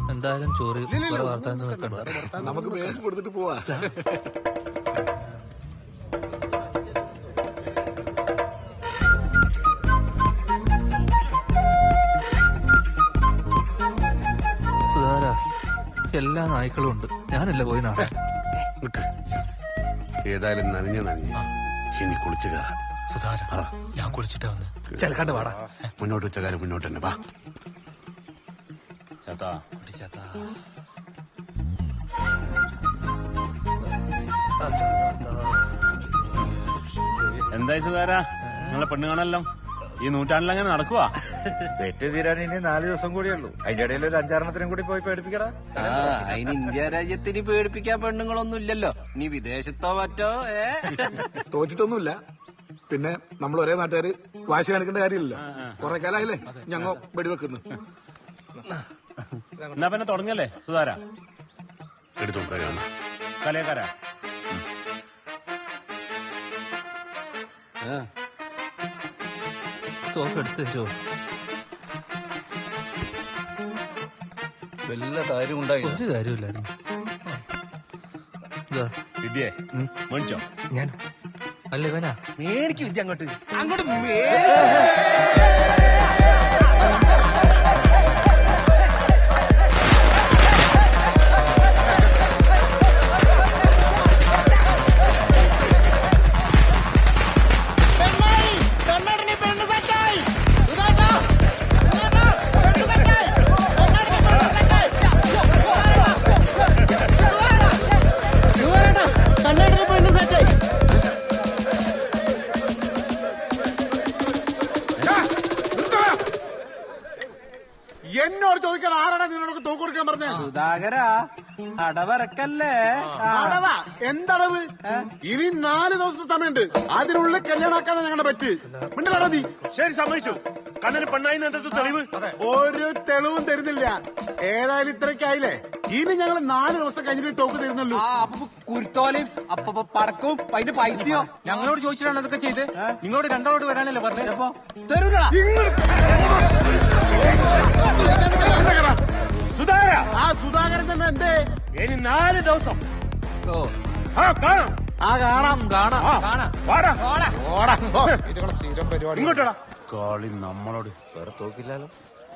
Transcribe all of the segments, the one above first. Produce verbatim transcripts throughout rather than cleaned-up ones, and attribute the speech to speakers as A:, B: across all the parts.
A: എന്തായാലും ചോറ് വാർത്താൻ
B: നമുക്ക് വേഗം കൊടുത്തിട്ട് പോവാ.
A: സുധാര, എല്ലാ നായ്ക്കളും ഉണ്ട്, ഞാനല്ല പോയി നാളെ.
B: ഏതായാലും നനഞ്ഞ നനഞ്ഞ ഇനി കുളിച്ചു കയറാം.
A: സുധാര, ഞാൻ കുളിച്ചിട്ടാ വന്ന്. ചെലക്കാണ്ട് വാടാ.
B: മുന്നോട്ട് വെച്ച കാര്യം മുന്നോട്ട് തന്നെ വാ.
C: എന്തായി സുധാര, നിങ്ങളെ പെണ്ണ് കാണല്ലോ ഈ നൂറ്റാണ്ടിൽ അങ്ങനെ നടക്കുവാ?
D: വെറ്റ് തീരാൻ ഇനി നാല് ദിവസം കൂടിയേ ഉള്ളൂ. അതിന്റെ ഇടയിൽ ഒരു അഞ്ചാറെണ്ണത്തിനും കൂടി പോയി പേടിപ്പിക്കടാ.
E: അതിന് ഇന്ത്യ രാജ്യത്തിന് പേടിപ്പിക്കാൻ പെണ്ണുങ്ങളൊന്നും ഇല്ലല്ലോ. നീ വിദേശത്തോ മറ്റോ? ഏ
B: തോറ്റിട്ടൊന്നുമില്ല. പിന്നെ നമ്മൾ ഒരേ നാട്ടുകാര് വാശി കാണിക്കേണ്ട കാര്യമില്ലല്ലോ. കൊറേ കാലായില്ലേ ഞങ്ങ വെടിവെക്കുന്നു.
C: എന്നാ പിന്നെ തുടങ്ങല്ലേ സുധാര?
B: എടുത്തു
C: കലയക്കാരാ
A: സോപ്പ് എടുത്ത് തരുമോ?
D: വല്ല കാര്യം ഉണ്ടായി
A: ഒരു കാര്യമില്ലായിരുന്നു.
C: വിദ്യേ മേടിച്ചോ?
A: ഞാൻ അല്ല ഇവനാ.
E: മേടിക്ക് വിദ്യ അങ്ങോട്ട് അങ്ങോട്ട്
B: എന്നോട് ചോദിക്കാൻ ആരാണ് നിന്നോട് തോക്ക് കൊടുക്കാൻ പറഞ്ഞത്?
E: സുധാകര, അടവറക്കല്ലേ.
B: അടവ എന്തടവ്? ഇനി നാല് ദിവസം സമയമുണ്ട്. അതിനുള്ളിൽ കല്യാണാക്കാൻ ഞങ്ങളുടെ പറ്റ്. മിണ്ടടാ നീ.
C: ശരി, സമ്മതിച്ചു. കണ്ണന് പെണ്ണായി തെളിവ്?
B: ഒരു തെളിവും തരുന്നില്ല. ഏതായാലും ഇത്രയ്ക്കായില്ലേ, ഇനി ഞങ്ങൾ നാല് ദിവസം കഴിഞ്ഞിട്ട് തോക്ക് തരുന്നുള്ളൂ.
E: അപ്പൊ കുരുത്തോലയും അപ്പൊ പടക്കവും അതിന്റെ പൈസയോ
F: ഞങ്ങളോട് ചോദിച്ചിട്ടാണ് അതൊക്കെ ചെയ്ത്. നിങ്ങളോട് രണ്ടാളോട് വരാനല്ലേ പറഞ്ഞത്?
E: അപ്പൊ തരൂല.
C: സുധാര,
B: ആ സുധാകരൻ തന്നെ എന്തേ?
C: ഇനി നാല് ദിവസം
A: ഓ
C: ആ കാണാം.
B: ആ കാണാം
A: കാണാം.
C: വാടാ
B: ഓടാ. സ്ഥിരം പരിപാടി.
C: ഇങ്ങോട്ടാ. കളി നമ്മളോട്.
D: വേറെ തോക്കില്ലാലോ.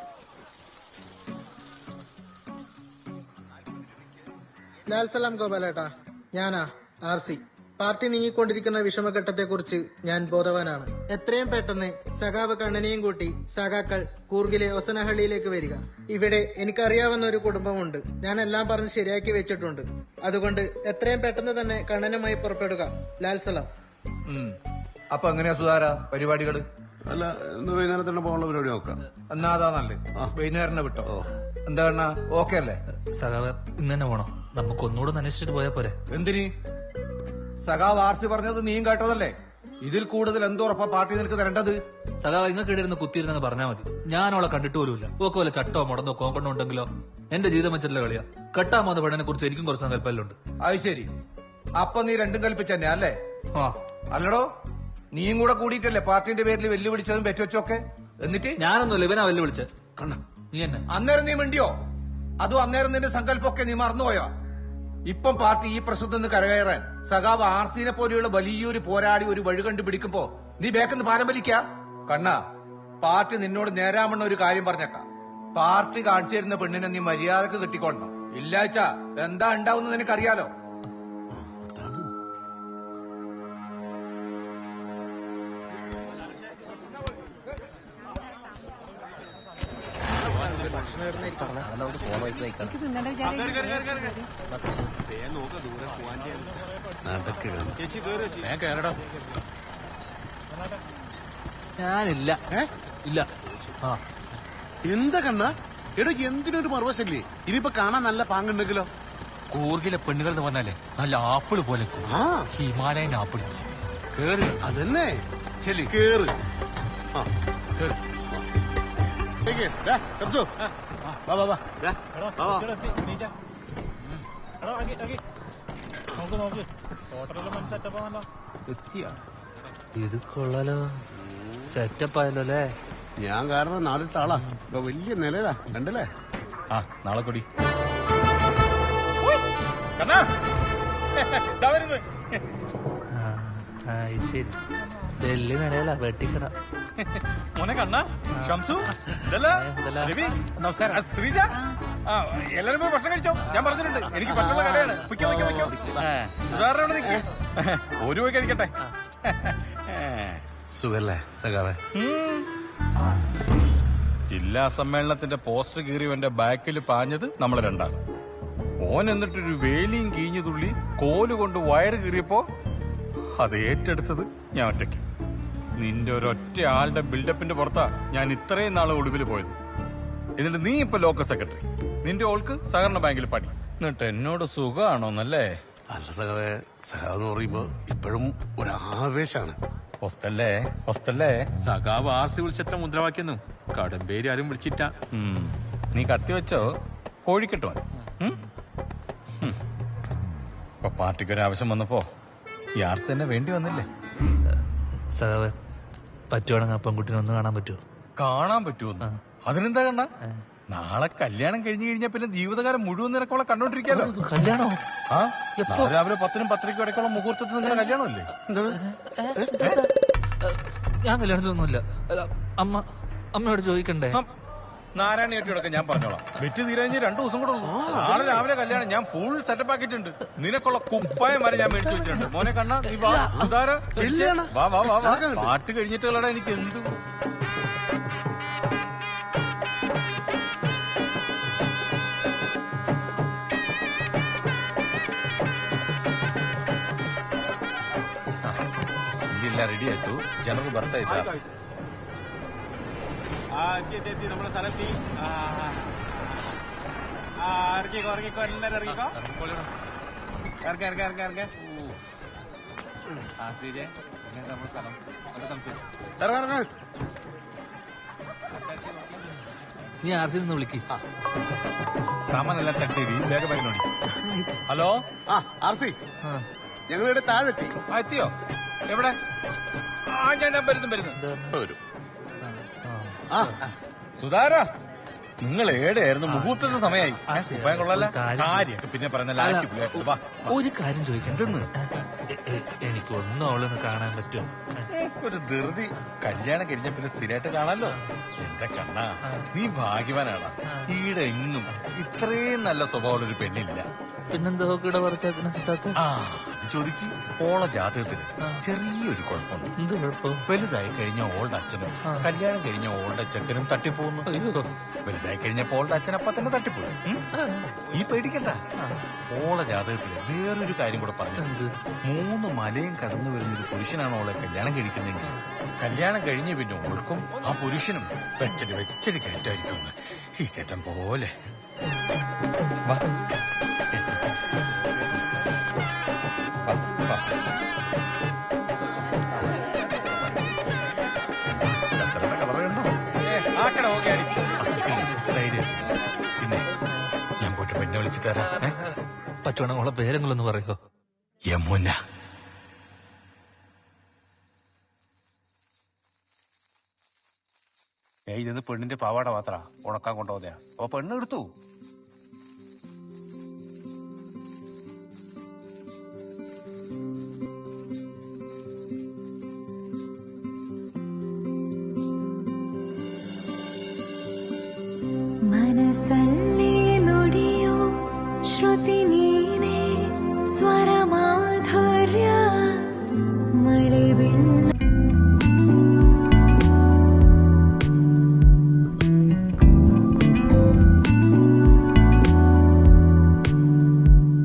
G: ലാൽസലാം ഗോപാലേട്ടാ, ഞാനാ ആർ സി. പാർട്ടി നീങ്ങിക്കൊണ്ടിരിക്കുന്ന വിഷമഘട്ടത്തെക്കുറിച്ച് ഞാൻ ബോധവാനാണ്. എത്രയും പെട്ടെന്ന് സഖാവ് കണ്ണനെയും കൂട്ടി സഖാക്കൾ കൂർഗിലെ ഒസനഹള്ളിയിലേക്ക് വരിക. ഇവിടെ എനിക്കറിയാവുന്ന ഒരു കുടുംബമുണ്ട്. ഞാൻ എല്ലാം പറഞ്ഞ് ശരിയാക്കി വെച്ചിട്ടുണ്ട്. അതുകൊണ്ട് എത്രയും പെട്ടെന്ന് തന്നെ കണ്ണനുമായി പുറപ്പെടുക. ലാൽസലാം.
D: അപ്പൊ എങ്ങനെയാ സുധാര പരിപാടികള്?
B: അല്ല, ഇന്ന് വൈകുന്നേരത്തിന് പോകാനുള്ള പരിപാടി നോക്കാം.
D: എന്നാ അതാ നല്ലേ. വൈകുന്നേരം വിട്ടോ. എന്താ ഓക്കെ അല്ലേ?
A: സഖാവ് ഇന്ന് തന്നെ പോണോ? നമുക്ക് ഒന്നുകൂടെ അന്വേഷിച്ചിട്ട് പോയാ പോരെ?
D: എന്തിനി? സഖാവ് ആർസി പറഞ്ഞത് നീയും കേട്ടതല്ലേ? ഇതിൽ കൂടുതൽ എന്തോറപ്പാ പാർട്ടി നിനക്ക് തരേണ്ടത്?
A: സഖാവ് ഇങ്ങക്ക് ഇടയിരുന്ന് കുത്തിയിരുന്നെന്ന് പറഞ്ഞാൽ മതി. ഞാൻ അവളെ കണ്ടിട്ട് പോലുമില്ല. ഓക്കെ വല്ല ചട്ടോ മുടന്നോ കോങ്കണ്ണോ ഉണ്ടെങ്കിലോ? എന്റെ ജീവിതം വെച്ചിട്ടുള്ള കളിയാ. കെട്ടാൻ പോകുന്ന പെണ്ണിനെ കുറിച്ച് എനിക്കും കുറച്ച് സങ്കല്പല്ലുണ്ട്.
D: അത് ശരി. അപ്പൊ നീ രണ്ടും കൽപ്പിച്ചന്നെ അല്ലേ?
A: ആ
D: അല്ലടോ, നീയും കൂടെ കൂടിയിട്ടല്ലേ പാർട്ടിന്റെ പേരിൽ വെല്ലുവിളിച്ചതും പെറ്റുവച്ചൊക്കെ? എന്നിട്ട്
A: ഞാനൊന്നുമില്ല, ഇവനാ വെല്ലുവിളിച്ച. കണ്ണ നീ എന്നെ
D: അന്നേരം നീ മിണ്ടിയോ? അതും അന്നേരം നിന്റെ സങ്കല്പമൊക്കെ നീ മറന്നുപോയോ? ഇപ്പം പാർട്ടി ഈ പ്രശ്നത്തിൽ നിന്ന് കരകയറാൻ സഖാവ് ആർസിനെ പോലെയുള്ള വലിയൊരു പോരാടി ഒരു വഴി കണ്ടു പിടിക്കുമ്പോ നീ ബേക്കെന്ന് പാരം വലിക്ക? കണ്ണ, പാർട്ടി നിന്നോട് നേരാമണ്ണ ഒരു കാര്യം പറഞ്ഞേക്കാം. പാർട്ടി കാണിച്ചു തരുന്ന പെണ്ണിനെ നീ മര്യാദക്ക് കിട്ടിക്കൊള്ളണം. ഇല്ലാച്ച എന്താ ഉണ്ടാവുന്ന നിനക്കറിയാലോ.
A: ഞാനില്ല. ഇല്ല. ആ
B: എന്താ കണ്ണ? എടോ, എന്തിനൊരു മറുവശല്ലേ? ഇനിയിപ്പോ കാണാൻ നല്ല പാങ്ങുണ്ടെങ്കിലോ?
F: കൂർഗിലെ പെണ്ണുകൾ എന്ന് പറഞ്ഞാലേ നല്ല ആപ്പിള് പോലെ, ഹിമാലയൻ ആപ്പിൾ. കേറ്.
B: അതന്നെ.
F: ശരി,
B: കേറ്.
A: ഇത് കൊള്ളാലോ. സെറ്റപ്പ് ആയല്ലോ അല്ലേ?
B: ഞാൻ കാരണം നാലിട്ട ആളാ. വലിയ നിലയിലാ കണ്ടല്ലേ?
C: ആ നാളെ കൂടി കണ്ണാ ദാ വരുന്നു.
A: ആ, ആ, ഇത് ശരി വലിയ നിലയില വെട്ടിക്കട.
C: മോനെ കണ്ണാ ഷംസു ഇതല്ല
A: എന്തല്ല?
C: രവി നമസ്കാരം ആ, ശ്രീജ ആ എല്ലാരും പോയി ഭക്ഷണം കഴിച്ചോ. ഞാൻ പറഞ്ഞിട്ടുണ്ട് എനിക്ക് പറ്റുള്ള കടയാണ്. പൊയ്ക്കോ പൊയ്ക്കോ പൊയ്ക്കോ. സുധാരണ നിൽക്ക് ഒരു പോയി കഴിക്കട്ടെ.
H: സുഖല്ലേ സഖാവേ?
C: ജില്ലാ സമ്മേളനത്തിന്റെ പോസ്റ്റർ കീറിയവന്റെ ബാക്കിൽ പാഞ്ഞത് നമ്മളെ രണ്ടാണ്. ഓൻ എന്നിട്ടൊരു വേലിയും കീഞ്ഞു തുള്ളി കോലുകൊണ്ട് വയറ് കീറിയപ്പോ അത് ഏറ്റെടുത്തത് ഞാൻ ഒറ്റയ്ക്ക്. നിന്റെ ഒരൊറ്റ ആളുടെ ബിൽഡപ്പിന്റെ പുറത്താ ഞാൻ ഇത്രയും നാളെ ഒളിവിൽ പോയത്. എന്നിട്ട് നീ ഇപ്പൊ ലോക്കൽ സെക്രട്ടറി, നിന്റെ ഓൾക്ക് സഹകരണ ബാങ്കിൽ പണി. എന്നിട്ട് എന്നോട് സുഖമാണോന്നല്ലേ?
H: അല്ല സഖാവേ, സഖാവ് എന്ന് പറയുമ്പോ ഇപ്പോഴും ഒരു ആവേശാണ്.
C: ഹോസ്റ്റല്ലേ ഹോസ്റ്റല്ലേ
F: സഖാവ് ആർസി വിളിച്ചത്ര മുദ്രാവാക്യെന്നു കടമ്പേരി ആരും വിളിച്ചിട്ട.
C: ഉം. നീ കത്തി വെച്ചോ കോഴിക്കെട്ടോ. ഇപ്പൊ പാർട്ടിക്ക് ഒരു ആവശ്യം വന്നപ്പോ ഈ ആർസ് തന്നെ വേണ്ടി വന്നില്ലേ?
A: സഖാവ് പറ്റുവാണെങ്കിൽ ആ പെൺകുട്ടിനെ ഒന്ന് കാണാൻ പറ്റുമോ?
C: കാണാൻ പറ്റുമോ? അതിനെന്താ കണ്ണ? നാളെ കല്യാണം കഴിഞ്ഞു കഴിഞ്ഞാൽ പിന്നെ ജീവിതകാലം മുഴുവൻ നിനക്കോളെ കണ്ടോണ്ടിരിക്കാലോ.
A: കല്യാണോ?
C: ആ നാളെ രാവിലെ പത്തിനും പത്തരയ്ക്കും ഇടയ്ക്കുള്ള മുഹൂർത്തത്തിൽ നിങ്ങളുടെ കല്യാണമല്ലേ?
A: ഞാൻ കല്യാണത്തിനൊന്നുമില്ല. അല്ല, അമ്മ അമ്മയോട് ചോദിക്കണ്ടേ?
C: നാരായണിയേട്ടിയോടൊക്കെ ഞാൻ പറഞ്ഞോളാം. വെറ്റ് തീരാഞ്ഞ് രണ്ടു ദിവസം കൂടെ ഉള്ളൂ. നാളെ രാവിലെ കല്യാണം. ഞാൻ ഫുൾ സെറ്റപ്പ് ആക്കിയിട്ടുണ്ട്. നിനക്കുള്ള കുപ്പായം വരെ ഞാൻ മേടിച്ചു വെച്ചിട്ടുണ്ട്. മോനെ കണ്ണ നീ വാ. ഉദാര വാ വാ വാ വാ. പാട്ട് കഴിഞ്ഞിട്ടുള്ളടാ എനിക്ക് എന്ത് ഇല്ല. റെഡി ആയിട്ടു. ജനറൽ ബർത്ത് ആയിട്ടാ നമ്മുടെ സ്ഥലത്തി. ഇറങ്ങിക്കോ ഇറങ്ങിക്കോ എല്ലാരും ഇറങ്ങിക്കോ. ഇറങ്ങ ഇറങ്ങ ഇറങ്ങ ഇറങ്ങ. ആ ശ്രീജെ നമ്മുടെ സ്ഥലം
H: ഇറങ്ങ.
A: നീ ആർ സി നിന്ന് വിളിക്ക്.
C: സാമാനെല്ലാം തട്ടി വേഗം വേഗനോടി. ഹലോ
H: ആ ആർ സി, ഞങ്ങളിവിടെ താഴെത്തി.
C: ആ എത്തിയോ? എവിടെ? ആ ഞാൻ ഞാൻ വരുന്നു വരുന്നു വരും.
H: ആ
C: സുധാര നിങ്ങൾ ഏടെയായിരുന്നു? മുഹൂർത്തത്തെ സമയമായി. ഉപ്പായം കൊള്ളാല
A: കാര്യം-
C: കാര്യമൊക്കെ പിന്നെ പറഞ്ഞ
A: ഒരു കാര്യം ചോദിക്കാം. എ- എ- എനിക്ക് ഒന്നും അവളൊന്ന് കാണാൻ പറ്റുമോ?
C: ഒരു ധൃതി. കല്യാണം കഴിഞ്ഞ പിന്നെ സ്ഥിരമായിട്ട് കാണാലോ. എന്റെ കണ്ണാ നീ ഭാഗ്യവാനാണ്. ഈടെ ഇന്നും ഇത്രയും നല്ല സ്വഭാവമുള്ള ഒരു പെണ്ണില്ല.
A: പിന്നെന്താ ഇവിടെ പറിച്ചതിനെ കിട്ടാത്ത?
C: ആ അത് ചോദിക്ക്. ഓള ജാതകത്തിന് ചെറിയൊരു കുഴപ്പമുണ്ട്.
A: എന്ത് കുഴപ്പം?
C: വലുതായി കഴിഞ്ഞ ഓളുടെ അച്ഛനും കല്യാണം കഴിഞ്ഞ ഓളുടെ ചെക്കനും തട്ടിപ്പോകുന്നു.
A: അയ്യോ,
C: വലുതായി കഴിഞ്ഞപ്പോ ഓളുടെ അച്ഛൻ അപ്പ തന്നെ തട്ടിപ്പോയി. ഉം? ഈ പേടിക്കണ്ട. ഓള ജാതകത്തില് വേറൊരു കാര്യം കൂടെ പറഞ്ഞു.
A: എന്ത്?
C: മൂന്ന് മലയും കടന്നു വരുന്ന ഒരു പുരുഷനാണ് ഓളെ കല്യാണം കഴിക്കുന്നെങ്കിൽ കല്യാണം കഴിഞ്ഞ പിന്നെ ഓൾക്കും ആ പുരുഷനും വെച്ചടി വെച്ചടി കയറ്റായിരിക്കും. ഈ കയറ്റം പോലെ വാ. വാ, വാ. ദസറയുടെ കളറ് കണ്ടോ? ആ കട ഓക്കെ ആടി. ധൈര്യം. പിന്നെ ഞാൻ പോയിട്ട് പെണ്ണെ വിളിച്ചിട്ട് വരാം. ഏ?
A: പറ്റുവാണെങ്കിൽ അവളെ പേരെങ്കിലൊന്ന് പറയോ?
C: യമുന. ഏയ് ഇത് പെണ്ണിന്റെ പാവാട മാത്ര ഉണക്കാൻ കൊണ്ടുപോകുന്നയാ. അപ്പൊ പെണ്ണ് എടുത്തു.